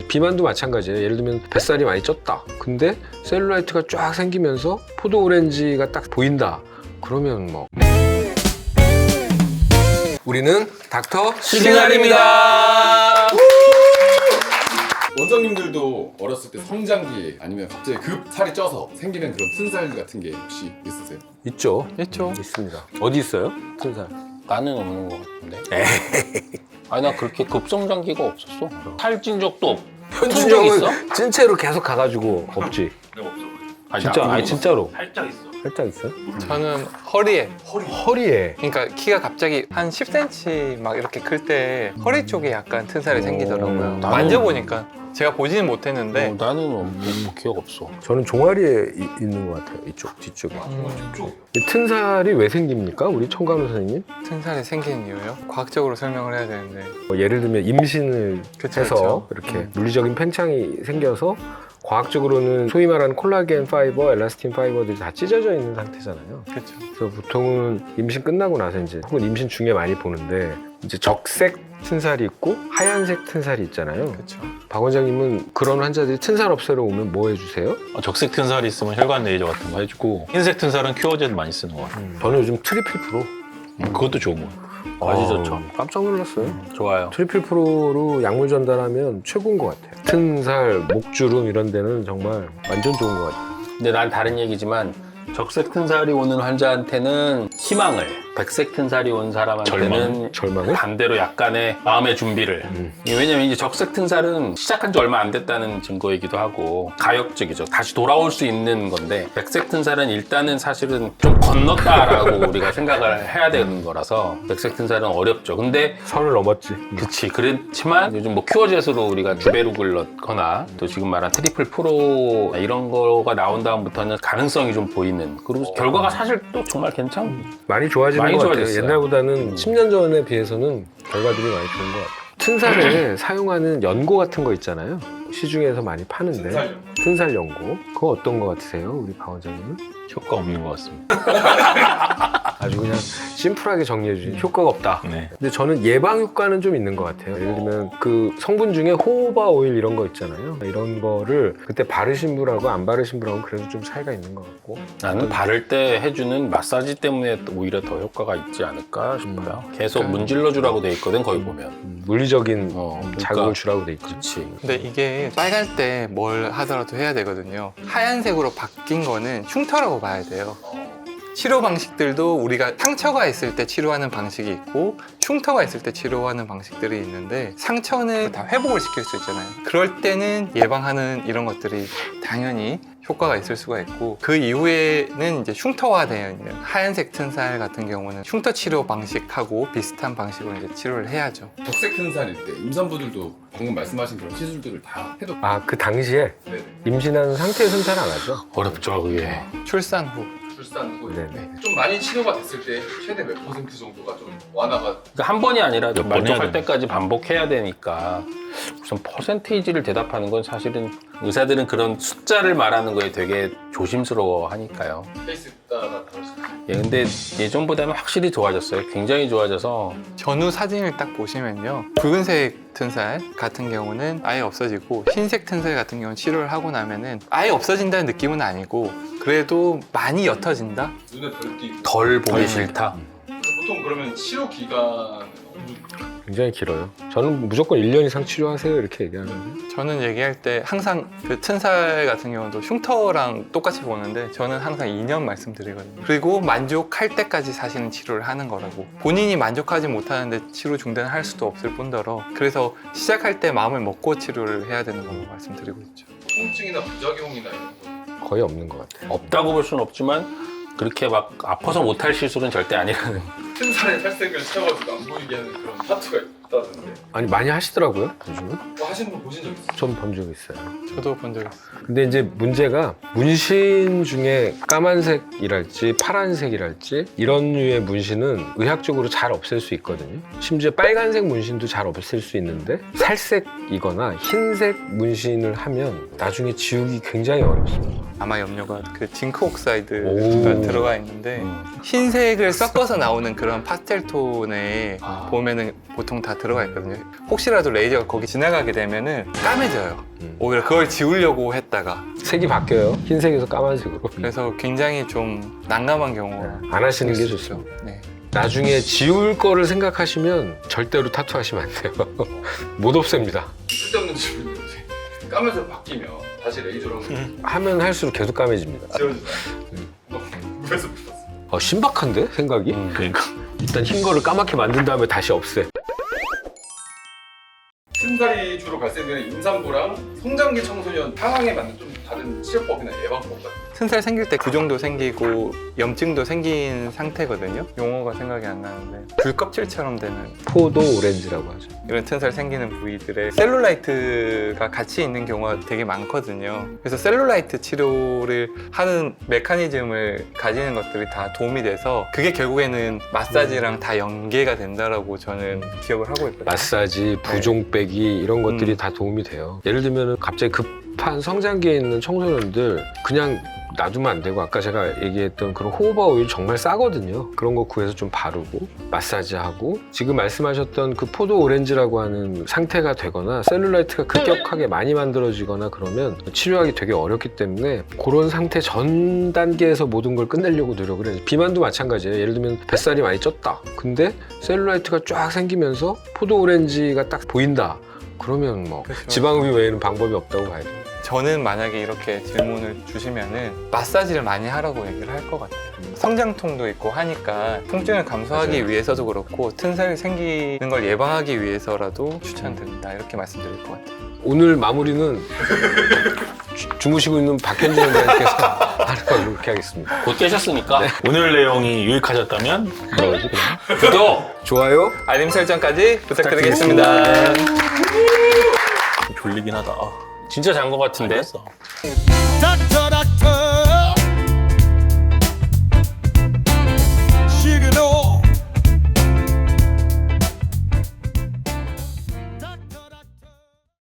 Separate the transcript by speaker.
Speaker 1: 비만도 마찬가지예요. 예를 들면 뱃살이 많이 쪘다. 근데 셀룰라이트가 쫙 생기면서 포도 오렌지가 딱 보인다. 그러면 뭐 우리는 닥터
Speaker 2: 시그널입니다. 원장님들도 어렸을 때 성장기 아니면 갑자기 급 살이 쪄서 생기는 그런 튼살 같은 게 혹시 있으세요?
Speaker 1: 있죠.
Speaker 3: 있죠.
Speaker 1: 있습니다. 어디 있어요? 튼살.
Speaker 3: 나는 없는 것 같은데. 아니 나 그렇게 급성장기가 없었어. 살찐 적도 없.
Speaker 1: 현준형은 찐 채로 계속 가가지고 없지.
Speaker 3: 아니,
Speaker 1: 진짜
Speaker 3: 나
Speaker 1: 아니 진짜로.
Speaker 4: 살짝 있어.
Speaker 1: 살짝 있어요?
Speaker 5: 저는 허리에
Speaker 1: 허리에.
Speaker 5: 그러니까 키가 갑자기 한 10cm 막 이렇게 클 때 허리 쪽에 약간 튼살이 생기더라고요.
Speaker 3: 나는-
Speaker 5: 만져보니까 제가 보지는 못했는데
Speaker 3: 나는 뭐 기억 없어.
Speaker 1: 저는 종아리에 있는 것 같아요. 이쪽 뒤쪽에. 이 튼살이 왜 생깁니까? 우리 청간호 선생님?
Speaker 5: 튼살이 생기는 이유요? 과학적으로 설명을 해야 되는데
Speaker 1: 뭐 예를 들면 임신을
Speaker 5: 그쵸,
Speaker 1: 해서
Speaker 5: 그쵸.
Speaker 1: 이렇게 물리적인 팽창이 생겨서 과학적으로는 소위 말하는 콜라겐 파이버, 엘라스틴 파이버들이 다 찢어져 있는 상태잖아요.
Speaker 5: 그렇죠.
Speaker 1: 그래서 보통은 임신 끝나고 나서 이제 혹은 임신 중에 많이 보는데 이제 적색 튼살이 있고 하얀색 튼살이 있잖아요.
Speaker 5: 그렇죠.
Speaker 1: 박 원장님은 그런 환자들이 튼살 없애러 오면 뭐 해주세요?
Speaker 4: 적색 튼살이 있으면 혈관 레이저 같은 거 해주고 흰색 튼살은 큐어제도 많이 쓰는 거 같아요.
Speaker 1: 저는 요즘 트리플 프로.
Speaker 4: 그것도 좋은 거 같아요.
Speaker 3: 아주 좋죠.
Speaker 1: 깜짝 놀랐어요.
Speaker 3: 좋아요.
Speaker 1: 트리플 프로로 약물 전달하면 최고인 것 같아요. 튼살, 목주름 이런 데는 정말 완전 좋은 것 같아요.
Speaker 3: 근데 난 다른 얘기지만 적색 튼살이 오는 환자한테는 희망을, 백색 튼살이 온 사람한테는
Speaker 1: 절망을?
Speaker 3: 반대로 약간의 마음의 준비를. 왜냐면 이제 적색 튼살은 시작한 지 얼마 안 됐다는 증거이기도 하고 가역적이죠. 다시 돌아올 수 있는 건데 백색 튼살은 일단은 사실은 좀 건넜다라고 우리가 생각을 해야 되는 거라서 백색 튼살은 어렵죠. 근데
Speaker 1: 선을 넘었지.
Speaker 3: 그치. 그렇지만 요즘 뭐 큐어젯으로 우리가 주베룩을 넣거나 또 지금 말한 트리플 프로 이런 거가 나온 다음부터는 가능성이 좀 보이는. 그리고 결과가 사실 또 정말
Speaker 1: 많이 좋아지는
Speaker 3: 많이
Speaker 1: 것 같아요.
Speaker 3: 좋아졌어요.
Speaker 1: 옛날보다는 10년 전에 비해서는 결과들이 많이 좋은 것 같아요. 튼살에 사용하는 연고 같은 거 있잖아요. 시중에서 많이 파는데 튼살 연고. 그거 어떤 거 같으세요? 우리 박 원장님은?
Speaker 4: 효과 없는 것 같습니다.
Speaker 1: 아주 그냥 심플하게 정리해 주신 효과가 없다.
Speaker 4: 네.
Speaker 1: 근데 저는 예방 효과는 좀 있는 것 같아요. 예를 들면 그 성분 중에 호호바 오일 이런 거 있잖아요. 이런 거를 그때 바르신 분하고 안 바르신 분하고 그래도 좀 차이가 있는 것 같고.
Speaker 3: 나는 바를 때 해주는 마사지 때문에 오히려 더 효과가 있지 않을까 싶어요. 계속 문질러 주라고 돼 있거든 거기 보면.
Speaker 1: 물리적인
Speaker 3: 그러니까.
Speaker 1: 자극을 주라고 돼 있죠.
Speaker 3: 그렇지.
Speaker 5: 근데 이게 빨갈 때 뭘 하더라도 해야 되거든요. 하얀색으로 바뀐 거는 흉터라고 봐야 돼요. 치료 방식들도 우리가 상처가 있을 때 치료하는 방식이 있고 흉터가 있을 때 치료하는 방식들이 있는데 상처는 다 회복을 시킬 수 있잖아요. 그럴 때는 예방하는 이런 것들이 당연히 효과가 있을 수가 있고 그 이후에는 이제 흉터화되어 있는 하얀색 튼살 같은 경우는 흉터 치료 방식하고 비슷한 방식으로 이제 치료를 해야죠.
Speaker 2: 적색 튼살일 때 임산부들도 방금 말씀하신 그런 시술들을 다 해도
Speaker 1: 아, 그 당시에
Speaker 2: 네.
Speaker 1: 임신한 상태에서는 잘 안 하죠.
Speaker 3: 어렵죠 그게.
Speaker 5: 출산 후
Speaker 2: 출산 후에
Speaker 1: 네네.
Speaker 2: 좀 많이 치료가 됐을 때 최대 몇 % 정도가 좀 완화가
Speaker 3: 그러니까 한 번이 아니라
Speaker 4: 번
Speaker 3: 만족할
Speaker 4: 해야 돼.
Speaker 3: 때까지 반복해야 되니까 무슨 퍼센테이지를 대답하는 건 사실은 의사들은 그런 숫자를 말하는 거에 되게 조심스러워 하니까요.
Speaker 2: 케이스 따라 다를 수 있어요.
Speaker 3: 예, 근데 예전보다는 확실히 좋아졌어요. 굉장히 좋아져서
Speaker 5: 전후 사진을 딱 보시면요 붉은색 튼살 같은 경우는 아예 없어지고 흰색 튼살 같은 경우는 치료를 하고 나면은 아예 없어진다는 느낌은 아니고 그래도 많이 옅어진다?
Speaker 2: 눈에 덜 띄고
Speaker 3: 덜 보기 싫다.
Speaker 2: 보통 그러면 치료 기간
Speaker 1: 굉장히 길어요. 저는 무조건 1년 이상 치료하세요 이렇게 얘기하는데
Speaker 5: 저는 얘기할 때 항상 그 튼살 같은 경우도 흉터랑 똑같이 보는데 저는 항상 2년 말씀드리거든요. 그리고 만족할 때까지 사실은 치료를 하는 거라고. 본인이 만족하지 못하는데 치료 중단을 할 수도 없을 뿐더러 그래서 시작할 때 마음을 먹고 치료를 해야 되는 걸로 말씀드리고 있죠.
Speaker 2: 통증이나 부작용이나 이런 거
Speaker 1: 거의 없는 것 같아요.
Speaker 3: 없다고 볼 수는 없지만 그렇게 막 아파서 못할 시술은 절대 아니라는.
Speaker 2: 튼살에 탈색을 채워가지고 안 보이게 하는 그런 타투가 있다던데
Speaker 1: 아니 많이 하시더라고요 요즘은.
Speaker 2: 뭐 하시는 분 보신 적 있어요?
Speaker 1: 전 본 적 있어요.
Speaker 5: 저도 본 적 있어요.
Speaker 1: 근데 이제 문제가 문신 중에 까만색이랄지 파란색이랄지 이런 류의 문신은 의학적으로 잘 없앨 수 있거든요. 심지어 빨간색 문신도 잘 없앨 수 있는데 살색이거나 흰색 문신을 하면 나중에 지우기 굉장히 어렵습니다.
Speaker 5: 아마 염료가 그 징크 옥사이드가
Speaker 1: 오.
Speaker 5: 들어가 있는데 흰색을 섞어서 나오는 그런 파스텔 톤에 보면은 보통 다 들어가 있거든요. 혹시라도 레이저가 거기 지나가게 되면은 까매져요. 오히려 그걸 지우려고 했다가
Speaker 1: 색이 바뀌어요. 흰색에서 까만색으로.
Speaker 5: 그래서 굉장히 좀 난감한 경우가
Speaker 1: 안 하시는 게
Speaker 5: 있을 수
Speaker 1: 좋죠.
Speaker 5: 있죠. 네.
Speaker 1: 나중에 지울 거를 생각하시면 절대로 타투하시면 안 돼요. 못 없앱니다.
Speaker 2: 쓸데없는 질문인데 까면서 바뀌면 다시 레이저로
Speaker 1: 하면 할수록 계속 까매집니다.
Speaker 2: 지워지잖아요. 그래서 붙었어.
Speaker 1: 신박한데 생각이?
Speaker 4: 그러니까.
Speaker 1: 일단 흰 거를 까맣게 만든 다음에 다시 없애.
Speaker 2: 튼살이 주로 발생되는 임산부랑 성장기 청소년 상황에 맞는 좀 다른 치료법이나 예방법 같은
Speaker 5: 튼살 생길 때 구종도 생기고 염증도 생긴 상태거든요. 용어가 생각이 안 나는데 귤껍질처럼 되는
Speaker 1: 포도 오렌지라고 하죠.
Speaker 5: 이런 튼살 생기는 부위들에 셀룰라이트가 같이 있는 경우가 되게 많거든요. 그래서 셀룰라이트 치료를 하는 메커니즘을 가지는 것들이 다 도움이 돼서 그게 결국에는 마사지랑 다 연계가 된다라고 저는 기억을 하고 있거든요.
Speaker 1: 마사지, 부종 빼기 이런 것들이 다 도움이 돼요. 예를 들면 갑자기 급한 성장기에 있는 청소년들 그냥 놔두면 안 되고 아까 제가 얘기했던 그런 호호바 오일 정말 싸거든요. 그런 거 구해서 좀 바르고 마사지하고 지금 말씀하셨던 그 포도 오렌지라고 하는 상태가 되거나 셀룰라이트가 급격하게 많이 만들어지거나 그러면 치료하기 되게 어렵기 때문에 그런 상태 전 단계에서 모든 걸 끝내려고 노력을 해요. 비만도 마찬가지예요. 예를 들면 뱃살이 많이 쪘다. 근데 셀룰라이트가 쫙 생기면서 포도 오렌지가 딱 보인다. 그러면 뭐
Speaker 5: 그렇죠.
Speaker 1: 지방흡입 외에는 방법이 없다고 봐야 돼요.
Speaker 5: 저는 만약에 이렇게 질문을 주시면은 마사지를 많이 하라고 얘기를 할 것 같아요. 성장통도 있고 하니까 통증을 감소하기
Speaker 1: 맞아요.
Speaker 5: 위해서도 그렇고 튼살이 생기는 걸 예방하기 위해서라도 추천드린다 이렇게 말씀드릴 것 같아요.
Speaker 1: 오늘 마무리는 주무시고 있는 박현진 원장님께서 하는 걸로 이렇게 하겠습니다.
Speaker 3: 곧 깨셨으니까
Speaker 4: 오늘 내용이 유익하셨다면 뭐지 그러면?
Speaker 3: 구독!
Speaker 1: 좋아요.
Speaker 5: 알림 설정까지 부탁드리겠습니다.
Speaker 4: 졸리긴 하다. 아,
Speaker 3: 진짜 잔 거 같은데?
Speaker 4: 알겠어.
Speaker 6: 닥터